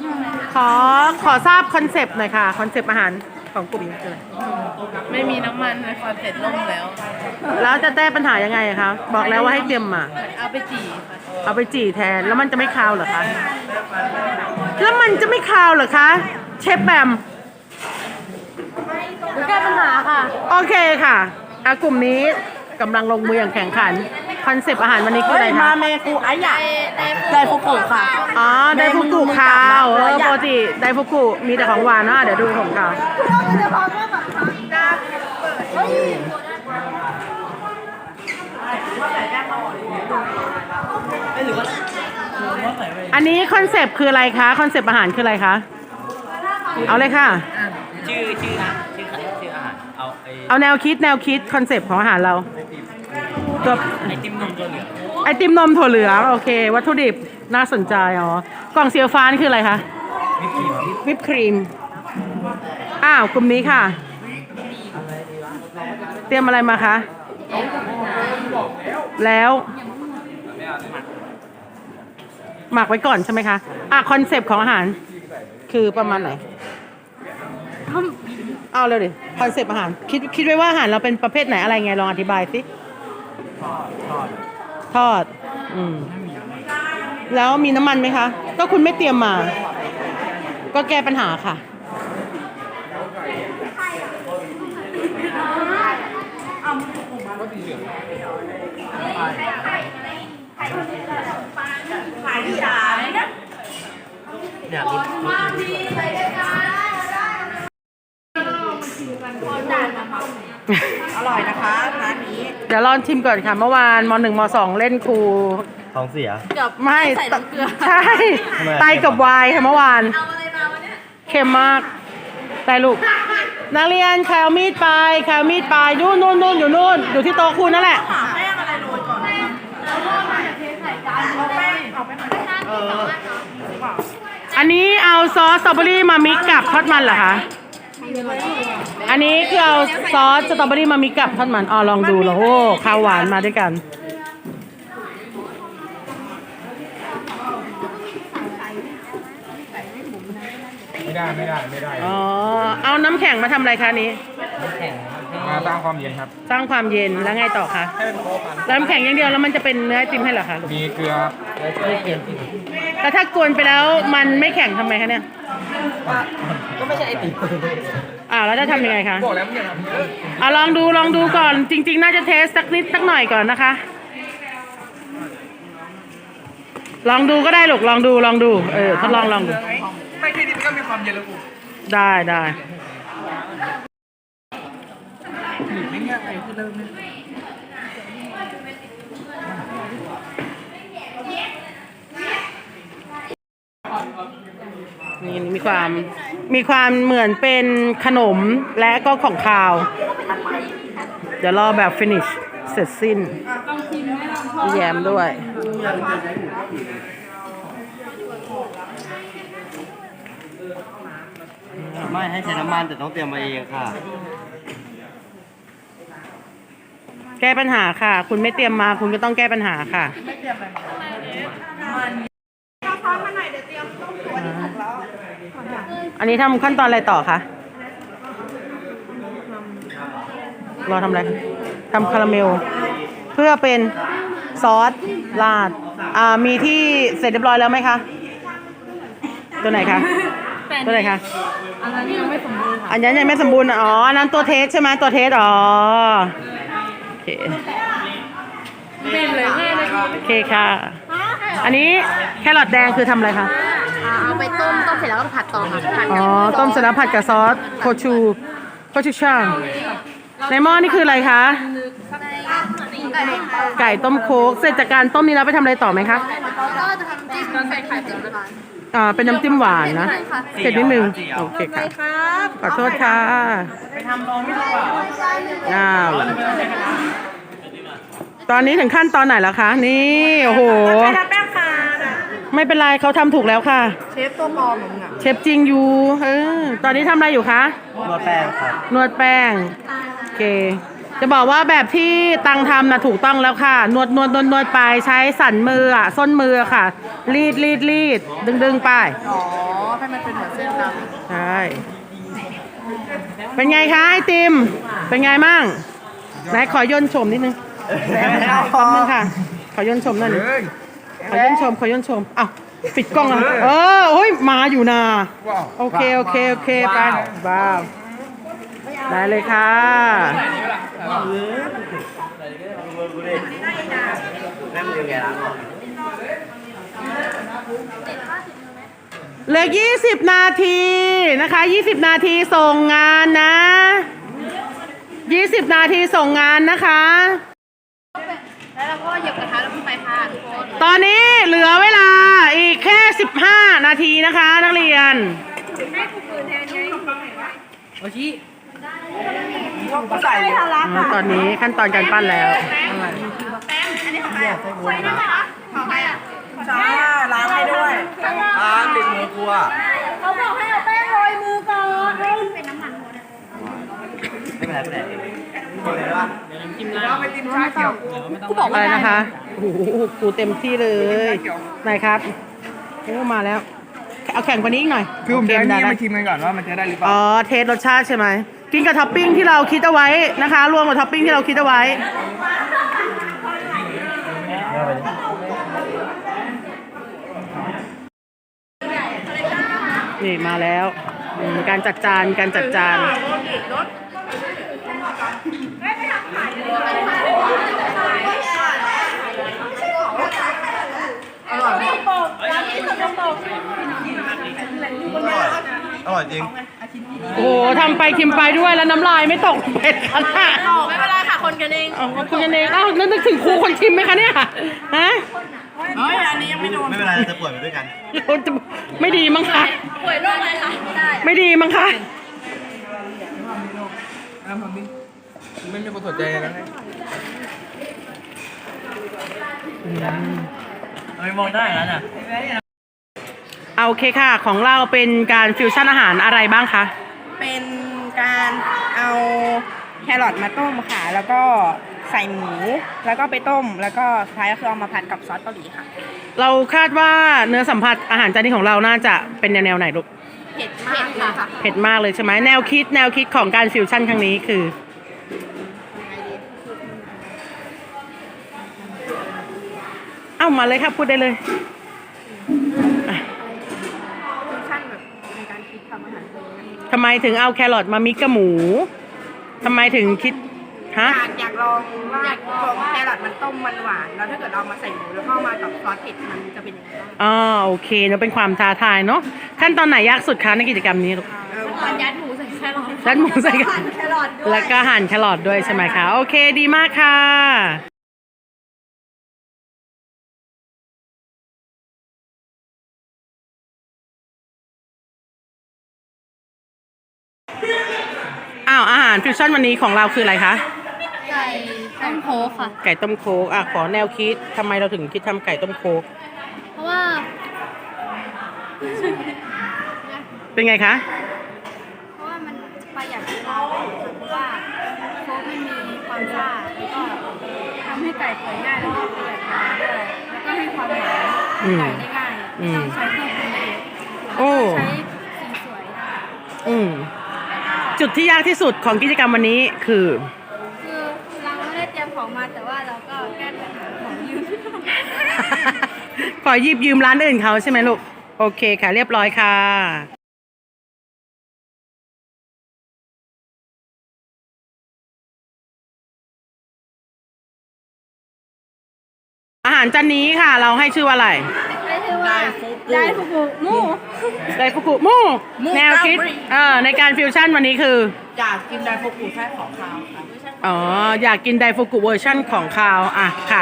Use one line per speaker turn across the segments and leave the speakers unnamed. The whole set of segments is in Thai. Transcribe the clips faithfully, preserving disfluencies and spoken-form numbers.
ขอขอทราบคอนเซปต์หน่อยค่ะคอนเซปต์อาหารของกลุ่มนี้คืออะไร
ไม่มีน้ำมันเลยคอนเสร็จล่มแล้ว
แล้วจะแก้ปัญหายังไงคะบอกแล้วว่าให้เตรียมมา
เอาไปจี่ค่ะ
เอาไปจี่แทนแล้วมันจะไม่คาวเหรอคะแล้วมันจะไม่คาวเหรอคะเชฟแบมแก้ปัญหาค่ะโอเคค่ะอ่ะกลุ่มนี้กำลังลงมืออย่างแข่งขันคอนเซปต์อาหารวันนี้คืออะไรคะ
มาเมกูไอ้ใหญ่ไดฟุกุค่ะ
อ๋อไดฟุกุคาวเออปกติไดฟุกุมีแต่ของหวานนะเดี๋ยวดูของเขาอันนี้คอนเซปต์คืออะไรคะคอนเซปต์อาหารคืออะไรคะเอาเลยค่ะ
ชื่อชื่อชื่อชื่ออาหารเอาไอ
เอาแนวคิดแนวคิดคอนเซปต์ของอาหารเราตัว
ไอติมนมตัวเหลือง
ไอติมนมถั่วเหลืองโอเควัตถุดิบน่าสนใจอ๋อกล่องเสียฟ้านี่คืออะไรคะวิปครีมอ้าวกลุ่มนี้ค่ะเตรียมอะไรมาคะแล้วหมักไว้ก่อนใช่ไหมคะอ่ะคอนเซปต์ของอาหารคือประมาณไหนเอาเร็วดิคอนเซปต์อาหารคิดคิดไว้ว่าอาหารเราเป็นประเภทไหนอะไรไงลองอธิบายสิทอดทอดอืมแล้วมีน้ำมันไหมคะก็คุณไม่เตรียมมาก็แก้ปัญหาค่ะ
เนี่ยรส
อร่อยนะคะร้านนี้
เดี๋ยวลองชิมก่อนค่ะเมื่อวานมหนึ่งมสองเล่นครู
ท้องเสีย
ไม่ใส่น้ำเกลือใช่ไตกับวายค่ะเมื่อวานเค็มมากไตลูกนักเรียนใครเอามีดไปใครเอามีดไปนู่นนู่นนู่นอยู่นู่นอยู่ที่โต๊ะคุณนั่นแหละ
แป้งอะไรโรยก่อน
อันนี้เอาซอสสตรอเบอรี่มามิกกับทอดมันเหรอคะอันนี้คือเอาซอสสตรอเบอรี่มามิกกับทอดมันอ๋อลองดูแล้วโอ้ข้าวหวานมาด้วยกัน
ไม่ได้ไม่ได้ไม่ได้
อ๋อเอาน้ำแข็งมาทำอะไรคะนี้
น้ำแข็ง
มาสร้างความเย็นครับ
สร้างความเย็นแล้วไงต่อคะแล้วน้ำแข็งอย่างเดียวแล้วมันจะเป็นเนื้อไอติมให้เหรอคะ
มีเกลือ
ไม่เค็ม
แล้วถ้ากวนไปแล้วมันไม่แข็งทำไมคะเนี่ย
ก็ไม่ใช่ไอติม
อ่าแล้วจะทำยังไงคะ
บอกแล้วเนี่ย
อ่าลองดูลองดูก่อนจริงๆน่าจะเทสสักนิดสักหน่อยก่อนนะคะลองดูก็ได้ลูกลองดูลองดูเออทดลองลองดู
ไม่แค่นี้มันก็มีความเย็นแล้วกู
ได้ได้
ไม่ง่ายคือเริ่ม
นี่มีความมีความเหมือนเป็นขนมและก็ของคาวเดี๋ยวรอแบบฟินิชเสร็จสิ้นแยมด้วย
ไม่ให้ใช้น้ำมันแต่ต้องเตรียมมาเองค่ะ
แก้ปัญหาค่ะคุณไม่เตรียมมาคุณก็ต้องแก้ปัญหาค่ะอันนี้ทำขั้นตอนอะไรต่อคะรอทำอะไรทำคาราเมลเพื่อเป็นซอสราดอ่ามีที่เสร็จเรียบร้อยแล้วไหมคะตัวไหนคะตัวไหนคะ
อันนั้นยังไม่สมบูรณ์
อันนั้นยังไม่สมบูรณ์อ๋ออันนั้นตัวเทสใช่ไหมตัวเทสอ๋อโอเค
เป็นเลยง่ายเลย
โอเคค่ะอันนี้แครอทแดงคือทำอะไรคะ
เอาไปต้มต้มเสร็จแล้วก็ผัดต่อค่ะผัด
อ๋อต้มเสร็จแล้วผัดกับซอสโคชูโคชูช่างในหม้อนี่คืออะไรคะไก่ต้มโค้กเสร็จจากการต้มนี้แล้วไปทำอะไรต่อไหมคะ
ก็จะทำจิ้มใส่ไข่เจียวนะคะ
อ่าเป็นน้ำจิ้มหวานนะเผ็ดนิดนึงโอเคค่ะขอโทษค่ะ
ไปทำลองไม่ถูกอ่ะ
อ้าวตอนนี้ถึงขั้นตอนไหนแล้วคะนี่โอ้โหไม่เป็นไรเขาทำถูกแล้วค่ะ
เชฟตัวปลอมมึงอ่ะ
เชฟจริงอยู่เออตอนนี้ทำอะไรอยู่คะ
นวดแป้งครับ
นวดแป้งโอเคจะบอกว่าแบบที่ตังทำนะถูกต้องแล้วค่ะนวดนวดนวดนวดไปใช้สันมืออ่ะส้นมือค่ะรีดรีดรีดดึงดึงไป
อ๋อคให้มันเป็นเหมือนเส้นด
ใช่ เป็นไงคะไอติม เป็นไงมั่งไหนขอย่นชมนิดนึง
ำ
ขอบนึงค่ะ ขอย่นชมหน่อยหนึงขอย่นชม ขอย่นชมอ้าวปิดกล้องแล้วเออโอ้ยมาอยู่นา
ว้าว
โอเค โอเค โอเค ไปว้าว ได้เลยค่ะ
แม่มือแกละ
เหลือยี่สิบนาทีนะคะยี่สิบนาทีส่งงานนะยี่สิบนาทีส่งงานนะคะ
แล้วเราก็เหยียบกระทะแล้วขึ้นไปค่ะทุกคน
ตอนนี้เหลือเวลาอีกแค่สิบห้านาทีนะคะนักเรียน
ก็ใส่เลย
อ๋อตอนนี้ขั้นตอนการปั้นแล้ว
จ้าล้างให้ด้วย
อ่าติดมือกลัว
เขาบอกให้เอาแป้งโรยมือก่อนเป็นน้ำมันหมด
ไม่เป็นไรไม่เป็นไรกดเลยว่า
เราไปกินชาเขียว
กูบอก
อะ
ว่า
ไรนะคะโอ้โหกูเต็มที่เลยไหนครับโอ้มาแล้ว เอาแข่งกว่านี้อีกหน่อย
คือผมจะ
โเ
นี่
ได้
มาชิมกันก่อนว่ามันจะได้หรือเปล่า
อ๋อเทสรสชาติใช่ไหมกินกับท็อปปิ้งที่เราคิดเอาไว้นะคะ รวมกับท็อปปิ้งที่เราคิดเอาไว้ นี่มาแล้วอืมการจัดจานการจัดจาน
อร่อยจริง
โอ้โหทำไปชิมไปด้วยแล้วน้ำลายไม่ตกเป็ดขนาด
ไม่เป็นไรค่ะคนกันเอง
อ๋อคุณกันเองอ้าวนึกถึงครูคนชิมไหมคะเนี่ยฮะ
เฮ้ย อันนี้ยังไม่โดน
ไม่เป็นไรเราจะป่วยไปด้วยกัน
เราจะไม่ดีมั้งคะ
ป่วยโรคอะไรคะไม่ได้
ไม่ดีมั้งคะ
น้ำผมนี่ไม่มีคนสนใจเลยนะเนี่ยเฮ้ยมองได้แล้วน่ะ
เอาโอเคค่ะ ของเราเป็นการฟิวชั่นอาหารอะไรบ้างคะ
เป็นการเอาแครอทมาต้มค่ะ แล้วก็ใส่หมู แล้วก็ไปต้ม แล้วก็สุดท้ายก็คือเอามาผัดกับซอสเกาหลีค่ะ
เราคาดว่าเนื้อสัมผัสอาหารจานนี้ของเราน่าจะเป็นแนวๆไหนลูก
เผ็ดมากค่ะ
เผ็ดมากเลยใช่ไหมแนวคิดแนวคิดของการฟิวชั่นครั้งนี้คือ เอ้ามาเลยครับพูดได้เลยอ่ะ
ฟิวชั่นแบบในการคิดทำอาหารเลย
ทำไมถึงเอาแครอทมามิกกับหมูทำไมถึงคิดฮะ
อยากอยากลองว่าพอแครอทมันต้มมันหวาน แล้วถ้าเกิดเรามาใส่หมูแล้วก็มากับซอสเผ็ดมันจะเป็นยังไงบ้าง
อ๋อโอเคเนาะเป็นความท้าทายเนาะขั้นตอนไหนยากสุดคะในกิจกรรมนี้ลูก
เออ
ตอนยัดหมูใส่แครอท
ยัดหมูใส่กัน
แครอทด้วย
แล้วก็หั่นแครอทด้วยใช่ไหมคะโอเคดีมากค่ะ อ้าวอาหารฟิวชั่นวันนี้ของเราคืออะไรคะ
ไก่ต้มโค้กค่ะ
ไก่ต้มโคกอ่ะขอแนวคิดทำไมเราถึงคิดทำไก่ต้มโคก
เพราะว่า
เป็นไงคะ
เพราะว่ามันประหยัดเวลาเพราะว่าโค้กไม่มีความซ่าแล้วก็ทำให้ไก่เปื่อยง่ายแล้วก็ประหยัดเวลาด้วยแล้วก็ให้ความหวาน
อืม
ไก่ได้ง่าย
อืม
ต้องใช้เครื่องปรุงเอง
โอ้
ใช้สีสวยได้
อืมจุดที่ยากที่สุดของกิจกรรมวันนี้คือ
คือเราไม่ได้เตรียมของมาแต่ว่าเราก็แก้ปัญหาของยืม
ขอหยิบยืมร้านอื่นเขาใช่ไหมลูก โอเคค่ะ เรียบร้อยค่ะ อาหารจานนี้ค่ะ เราให้ชื่อว่าอะไร
ได้ชื่อว่าได้ฟุกุมู
ไดฟุกุมูแนวคิดเออในการฟิวชั่นวันนี้คือ
อยากกินไดโฟกุแค่ของคาวค่ะ
อ๋อ อยากกินไดฟุกุเวอร์ชั่นของคาวอ่ะค่ะ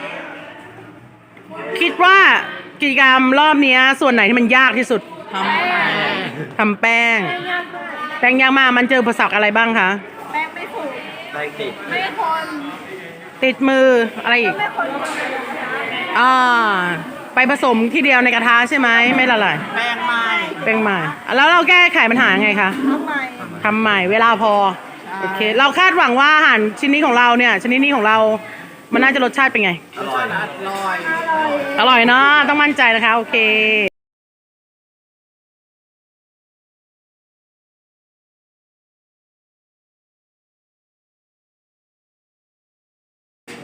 คิดว่ากิจกรรมรอบเนี้ยส่วนไหนที่มันยากที่สุด
ทำ
ทำแป้ง แป้งยากมากมันเจออุปสรรคอะไรบ้างคะ
แป้งไม่ถูก
ได้ติด
ไม่คน
ติดมืออะไรอีก
ไม่คน
อ่าไปผสมที่เดียวในกระทะใช่ไหมไม่ละลาย
แป้งไม้
แป้งใหม่แล้วเราแก้ไขปัญหาไงคะ
ทำไม
ทำใหม่เวลาพอโอเค เราคาดหวังว่าอาหารชิ้นนี้ของเราเนี่ยชนิดนี้ของเรา มันน่าจะรสชาติเป็นไง
อร่อย
อร่อย
อร่อยเนาะต้องมั่นใจนะคะโอเค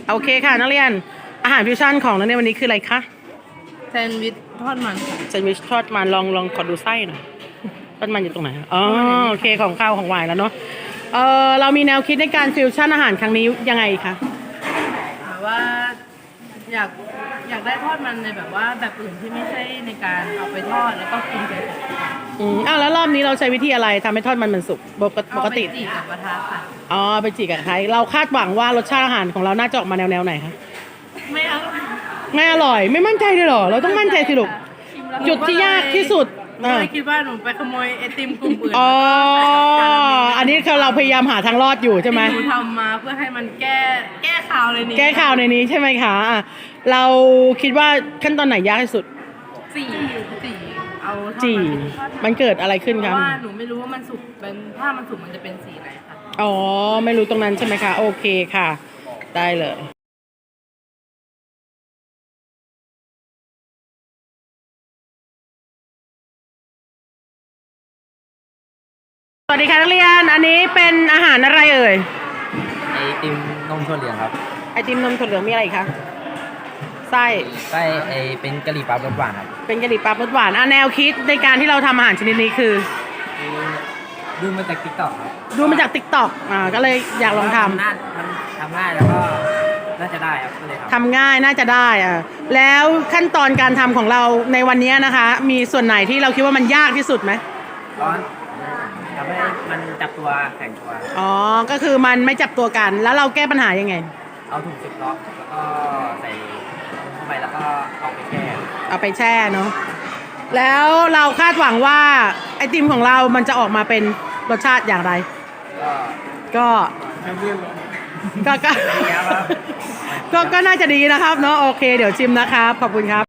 โอเคค่ะนักเรียนอาหารฟิวชั่นของนักเรียนวันนี้คืออะไรคะ
แซนด์วิชทอดมันค่ะ
แซนด์วิชทอดมันลองลองขอดูไส้หน่อยทอดมันอยู่ตรงไหนอ๋อโอเคของข้าวของหวานแล้วเนาะเออเรามีแนวคิดในการฟิวชั่นอาหารครั้งนี้ยังไงคะ
แบบว่าอยากอยากได้ทอดมันในแบบว่าแบบอื่นที่ไม่ใช่ในการเอาไปทอดแล้วก็กินเฉยๆค่ะ
อืมอ้าวแล้วรอบนี้เราใช้วิธีอะไรทำให้ทอดมันมันสุกปกติป
เอา
ก
ไป
ติ
จีกับกระทะค่ะ
อ๋อไปจีกับใครเราคาดหวังว่ารสชาติอาหารของเราน่าจะออกมาแนวแนวไหนคะ
ไม่เอา
ไม่อร่อยไม่มั่นใจเลยเหรอเราต้องมั่นใจสิลูกจุดที่ยากที่สุด
หนูก็เลยคิดว่าหนูไปขโมยไอติมกลุ่มอื่น
อ๋อ
แล้วก็ใส่กับจาน
อันนี้คือเราพยายามหาทางรอดอยู่ใช่ไหม
ที่หนูทำมาเพื่อให้มันแก้แก้ข่าวเลยนี่
แก้ข่าวในนี้ใช่ไหมคะอ่ะเราคิดว่าขั้นตอนไหนยากที่สุด
สี่สี่เอาทอด
จี
มัน
มันเกิดอะไรขึ้น
เพ
ครับ
ราะว่าหนูไม่รู้ว่ามันสุกเป็นถ้ามันสุกมันจะเป็นสีไหนค่ะ
อ๋อไม่รู้ตรงนั้นใช่ไหมคะโอเคค่ะ ได้เลยสวัสดีค่ะนักเรียนอันนี้เป็นอาหารอะไรเอ่ย
ไอติมนมถั่วเหลืองครับ
ไอติมนมถั่วเหลืองมีอะไรอีกคะไส้
ไส้ไอเป็นกะหรี่ปั๊บรสหวานครับ
เป็นกะหรี่ปั๊บรสหวานอ่ะแนวคิดในการที่เราทำอาหารชนิดนี้คือ
ดูมาจากติ๊กต็อกครับ
ดูมาจากติ๊กต็อกอ่าก็เลยอยากลองทำ
น่าทำทำง่ายแล้วก็น่าจะได้ครับก็เลยทำ
ทำง่ายน่าจะได้อ่ะแล้วขั้นตอนการทำของเราในวันนี้นะคะ มีส่วนไหนที่เราคิดว่ามันยากที่สุดไหม
ร้อนทำให้มันจับตัวแข็งตัว
อ๋อก็คือมันไม่จับตัวกันแล้วเราแก้ปัญหายังไง
เอาถุงซิปล็อกแล้วก็ใส่เข้าไปแล้วก็เอาไปแช่
เอาไปแช่เนาะแล้วเราคาดหวังว่าไอติมของเรามันจะออกมาเป็นรสชาติอย่างไร
ก็
ก็ก็ก็
ดีครับ
ก็ก็น่าจะดีนะครับเนาะโอเคเดี๋ยวชิมนะครับขอบคุณครับ